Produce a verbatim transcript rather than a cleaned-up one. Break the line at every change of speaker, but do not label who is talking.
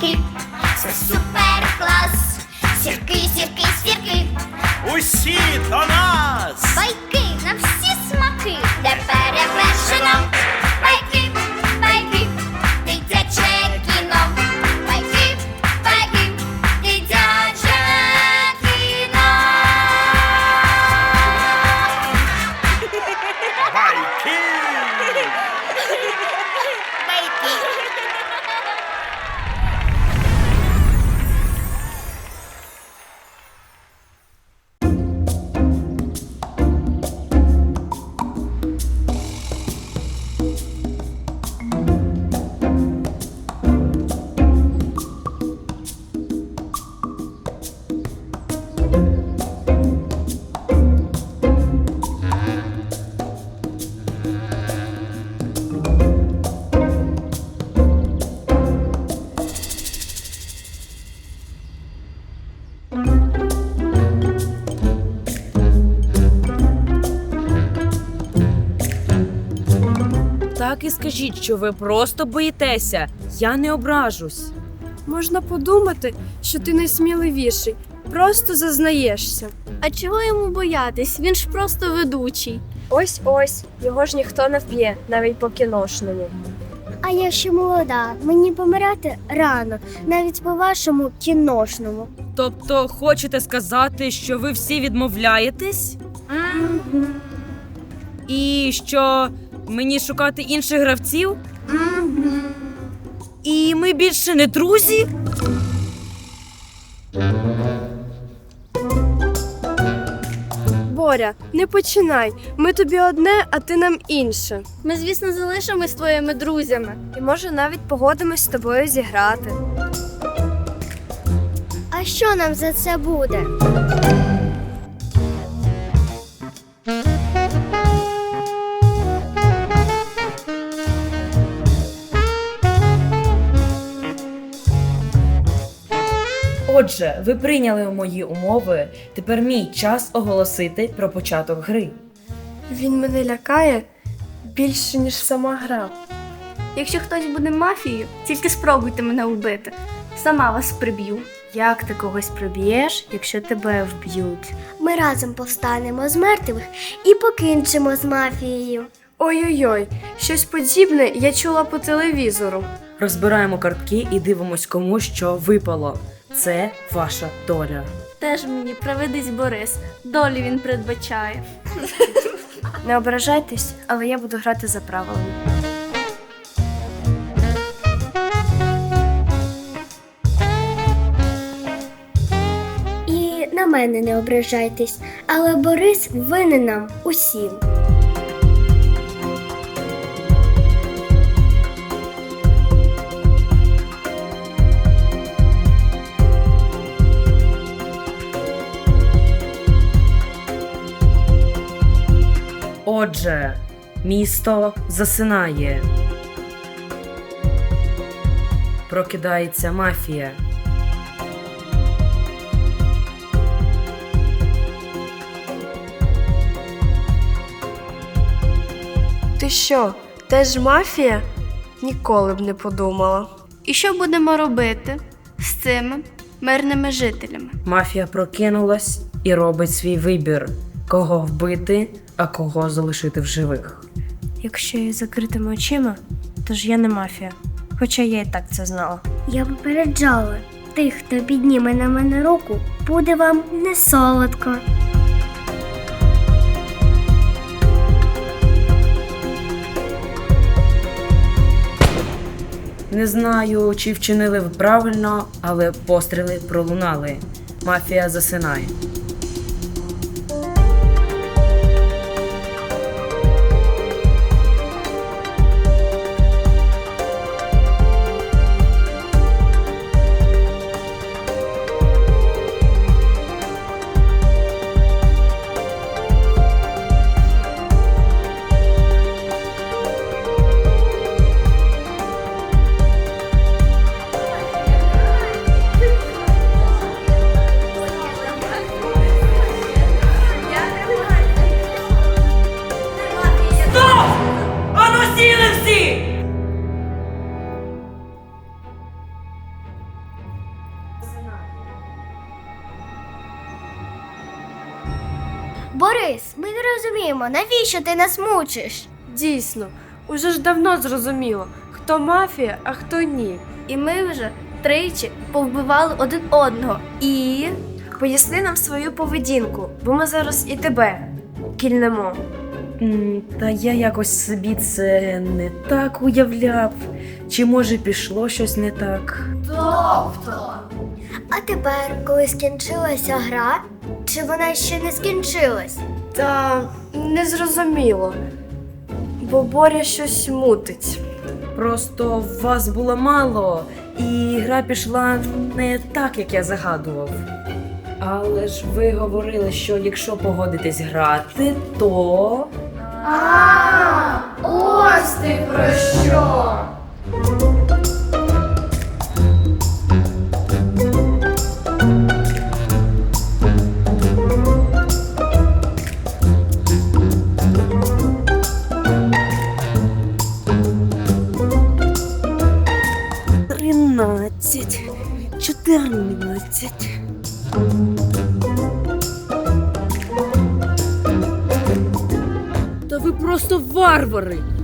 сірки, це супер клас. Сірки, сірки, сірки,
Усі до нас!
байки на всі смаки, де перевершено. Байки, байки, дитяче кіно. Байки, байки, дитяче кіно.
Байки!
Так і скажіть, що ви просто боїтеся. Я не ображусь.
Можна подумати, що ти найсміливіший. Просто зазнаєшся.
А чого йому боятись? Він ж просто ведучий.
Ось-ось, його ж ніхто не вб'є, навіть по кіношному.
А я ще молода, мені помирати рано, навіть по вашому кіношному.
Тобто, хочете сказати, що ви всі відмовляєтесь? І що мені шукати інших гравців? І ми більше не друзі?
Боря, не починай. Ми тобі одне, а ти нам інше.
Ми, звісно, залишимось твоїми друзями.
І може навіть погодимось з тобою зіграти.
А що нам за це буде?
Отже, ви прийняли мої умови. Тепер мій час оголосити про початок гри.
Він мене лякає більше, ніж сама гра.
Якщо хтось буде мафією, тільки спробуйте мене вбити. Сама вас приб'ю.
Як ти когось приб'єш, якщо тебе вб'ють?
Ми разом повстанемо з мертвих і покінчимо з мафією.
Ой-ой-ой, щось подібне я чула по телевізору.
Розбираємо картки і дивимось, кому що випало. Це ваша доля.
Теж мені приведись Борис. Долю він передбачає.
Не ображайтесь, але я буду грати за правилами.
І на мене не ображайтесь, але Борис винен нам усім.
Отже, місто засинає. Прокидається мафія.
Ти що, теж мафія? Ніколи б не подумала.
І що будемо робити з цими мирними жителями?
Мафія прокинулась і робить свій вибір. Кого вбити, а кого залишити в живих.
Якщо я з закритими очима, то ж я не мафія. Хоча я і так це знала.
Я попереджала, тих, хто підніме на мене руку, буде вам не солодко.
Не знаю, чи вчинили ви правильно, але постріли пролунали. Мафія засинає.
не розуміємо, навіщо ти нас мучиш?
Дійсно, уже ж давно зрозуміло, хто мафія, а хто ні.
І ми вже тричі повбивали один одного. І
Поясни нам свою поведінку, бо ми зараз і тебе кільнемо.
М, Та я якось собі це не так уявляв. Чи може пішло щось не так?
А тепер, коли скінчилася гра, чи вона ще не скінчилась?
Та незрозуміло, бо Боря щось мутить.
Просто вас було мало, і гра пішла не так, як я загадував. Але ж ви говорили, що якщо погодитесь грати, то.
Ось ти про що!
Тринадцять, чотирнадцять. Та ви просто варвари!